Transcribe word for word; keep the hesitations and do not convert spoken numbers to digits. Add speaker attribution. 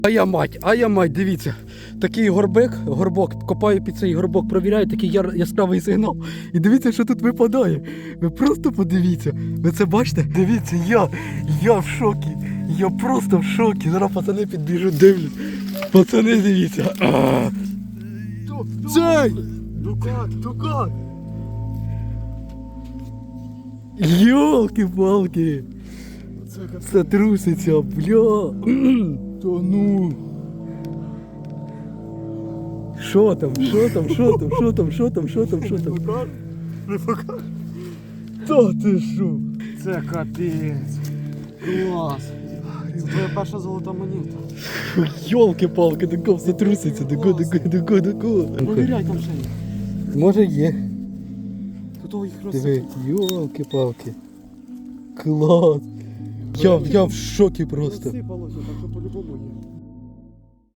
Speaker 1: А я мать, а я мать, дивіться. Такий горбик, горбок, копаю під цей горбок, провіряю, такий яр, яскравий сигнал. І дивіться, що тут випадає. Ви просто подивіться. Ви це бачите? Дивіться, я, я в шокі. Я просто в шокі. Зараз пацани підбіжуть, дивлять. Пацани, дивіться. Цей!
Speaker 2: Дукат, дукат!
Speaker 1: Йолки-палки! Це труситься, бля!
Speaker 2: Та ну!
Speaker 1: Що там, що там, що там, що там, що там, що там, що там?
Speaker 2: Не покажу.
Speaker 1: Та ти що?
Speaker 2: Це капець. Клас. Це твоя перша золота монета.
Speaker 1: Йолки-палки, до все труситься, до го, до го, до го, до го.
Speaker 2: Провіряй там ще є.
Speaker 1: Може є.
Speaker 2: Тут їх
Speaker 1: Диви,
Speaker 2: розсипало.
Speaker 1: йолки-палки. Клас. Я, я в шокі просто.
Speaker 2: Розсипалося, так що по-любому є.